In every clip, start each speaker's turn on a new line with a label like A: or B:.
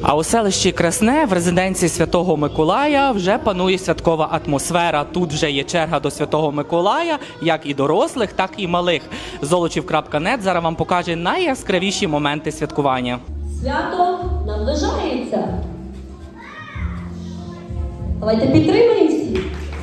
A: А у селищі Красне в резиденції Святого Миколая вже панує святкова атмосфера. Тут вже є черга до Святого Миколая, як і дорослих, так і малих. Золочів.нет зараз вам покаже найяскравіші моменти святкування.
B: Свято наближається. Давайте підтримаємо всі.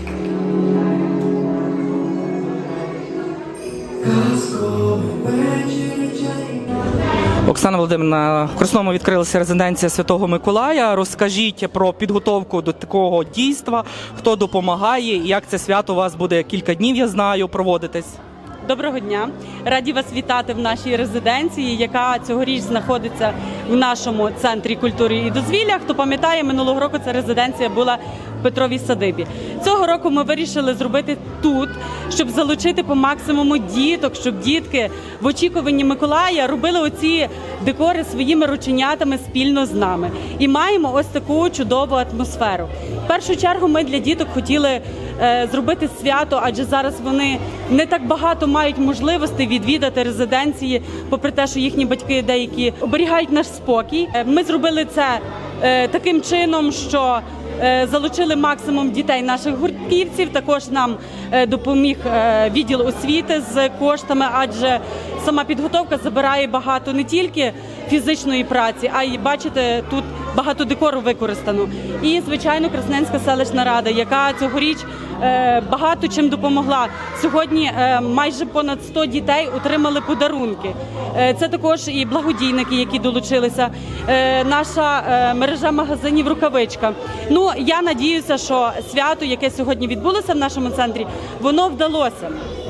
A: Оксана Володимирівна, в Красному відкрилася резиденція Святого Миколая. Розкажіть про підготовку до такого дійства, хто допомагає і як це свято у вас буде кілька днів, я знаю, проводитись.
C: Доброго дня! Раді вас вітати в нашій резиденції, яка цьогоріч знаходиться в нашому центрі культури і дозвілля. Хто пам'ятає, минулого року ця резиденція була в Петровій садибі. Цього року ми вирішили зробити тут, щоб залучити по максимуму діток, щоб дітки в очікуванні Миколая робили оці декори своїми рученятами спільно з нами. І маємо ось таку чудову атмосферу. В першу чергу ми для діток хотіли зробити свято, адже зараз вони не так багато мають можливостей відвідати резиденції, попри те, що їхні батьки деякі оберігають наш спокій. Ми зробили це таким чином, що залучили максимум дітей наших гуртківців. Також нам допоміг відділ освіти з коштами, адже сама підготовка забирає багато не тільки фізичної праці, а й, бачите, тут багато декору використано. І, звичайно, Красненська селищна рада, яка цьогоріч багато чим допомогла. Сьогодні майже понад 100 дітей отримали подарунки. Це також і благодійники, які долучилися. Наша мережа магазинів «Рукавичка». Ну, я надіюся, що свято, яке сьогодні відбулося в нашому центрі, воно вдалося.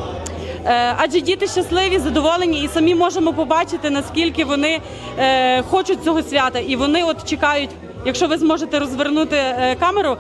C: Адже діти щасливі, задоволені і самі можемо побачити, наскільки вони хочуть цього свята. І вони от чекають, якщо ви зможете розвернути камеру,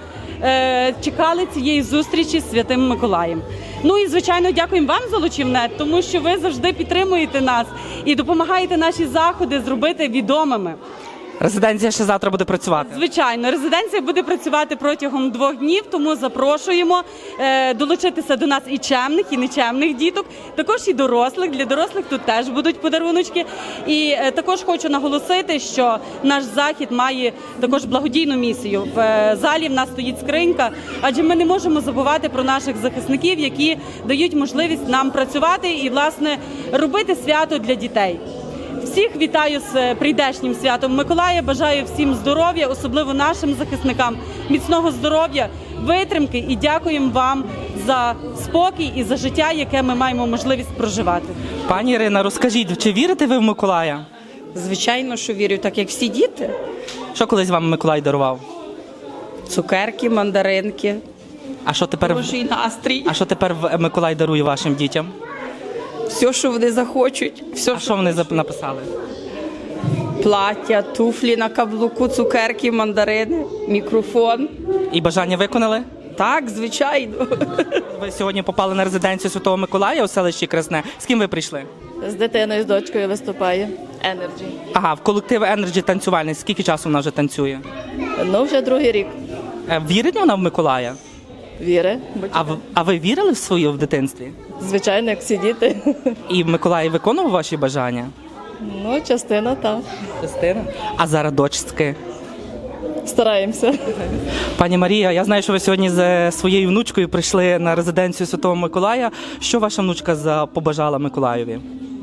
C: чекали цієї зустрічі з Святим Миколаєм. Ну і, звичайно, дякуємо вам, Золочів.нет, тому що ви завжди підтримуєте нас і допомагаєте наші заходи зробити відомими.
A: Резиденція ще завтра буде працювати?
C: Звичайно, резиденція буде працювати протягом 2 днів, тому запрошуємо долучитися до нас і чемних, і нечемних діток, також і дорослих. Для дорослих тут теж будуть подаруночки. І також хочу наголосити, що наш захід має також благодійну місію. В залі в нас стоїть скринька, адже ми не можемо забувати про наших захисників, які дають можливість нам працювати і, власне, робити свято для дітей. Всіх вітаю з прийдешнім святом Миколая, бажаю всім здоров'я, особливо нашим захисникам, міцного здоров'я, витримки і дякуємо вам за спокій і за життя, яке ми маємо можливість проживати.
A: Пані Ірина, розкажіть, чи вірите ви в Миколая?
D: Звичайно, що вірю, так як всі діти.
A: Що колись вам Миколай дарував?
D: Цукерки, мандаринки,
A: А що тепер,
D: хороший настрій.
A: а що тепер Миколай дарує вашим дітям?
D: Все, що вони захочуть. Все,
A: А що вони написали?
D: плаття, туфлі на каблуку, цукерки, мандарини, мікрофон.
A: І бажання виконали?
D: Так, звичайно.
A: Ви сьогодні попали на резиденцію Святого Миколая у селищі Красне. З ким ви прийшли?
E: З дитиною, з дочкою виступає. Energy.
A: Ага, в колектив Energy танцювальний. Скільки часу вона вже танцює?
E: Ну, вже 2-й рік.
A: Вірить вона в Миколая?
E: Віри.
A: А ви вірили в своє в дитинстві?
E: Звичайно, як всі діти.
A: І Миколай виконував ваші бажання?
E: Ну, частина, так.
A: Частина. А зараз дочки?
E: Стараємося.
A: Пані Марія, я знаю, що ви сьогодні з своєю внучкою прийшли на резиденцію Святого Миколая. Що ваша внучка побажала Миколаєві?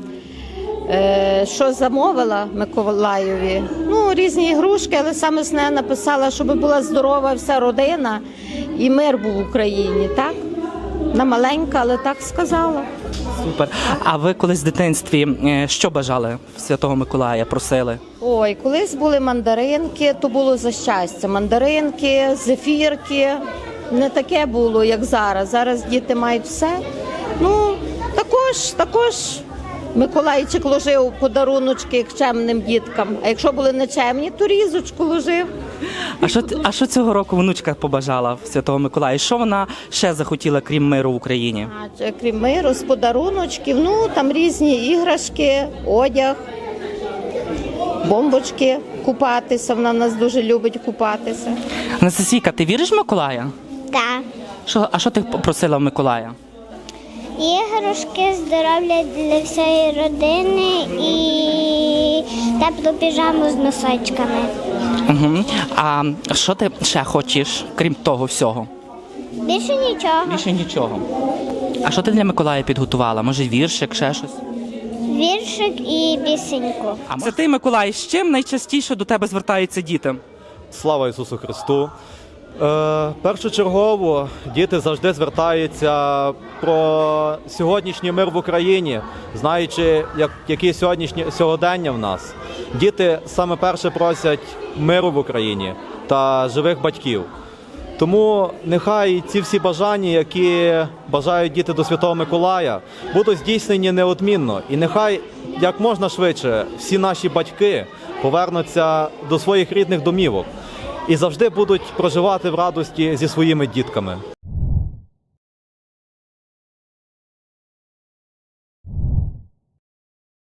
F: Що замовила Миколаєві? Ну, різні ігрушки, але саме основне написала, щоб була здорова вся родина і мир був в Україні, так? Вона маленька, але так сказала.
A: Супер. А ви колись в дитинстві що бажали в Святого Миколая, просили?
F: Ой, колись були мандаринки, то було за щастя. Мандаринки, зефірки. Не таке було, як зараз. Зараз діти мають все. Ну, також Миколайчик ложив подаруночки чемним діткам. А якщо були нечемні, то різочку ложив.
A: А що цього року внучка побажала в Святого Миколая? Що вона ще захотіла, крім миру в Україні?
F: Крім миру, з подаруночків, ну, там різні іграшки, одяг, бомбочки, купатися. Вона в нас дуже любить купатися.
A: Анастасійка, ти віриш в Миколая?
G: Так.
A: А що ти просила в Миколая?
G: Іграшки, здоров'я для всієї родини і теплу піжаму з носочками.
A: Угу. А що ти ще хочеш, крім того всього?
G: Більше нічого.
A: Більше нічого. А що ти для Миколая підготувала? Може, віршик, ще щось?
G: Віршик і пісеньку.
A: А це ти, Миколай, з чим найчастіше до тебе звертаються діти?
H: Слава Ісусу Христу! Першочергово діти завжди звертаються про сьогоднішній мир в Україні, знаючи, які сьогоднішні сьогодення в нас. Діти саме перше просять миру в Україні та живих батьків. Тому нехай ці всі бажання, які бажають діти до Святого Миколая, будуть здійснені неодмінно. І нехай як можна швидше всі наші батьки повернуться до своїх рідних домівок і завжди будуть проживати в радості зі своїми дітками.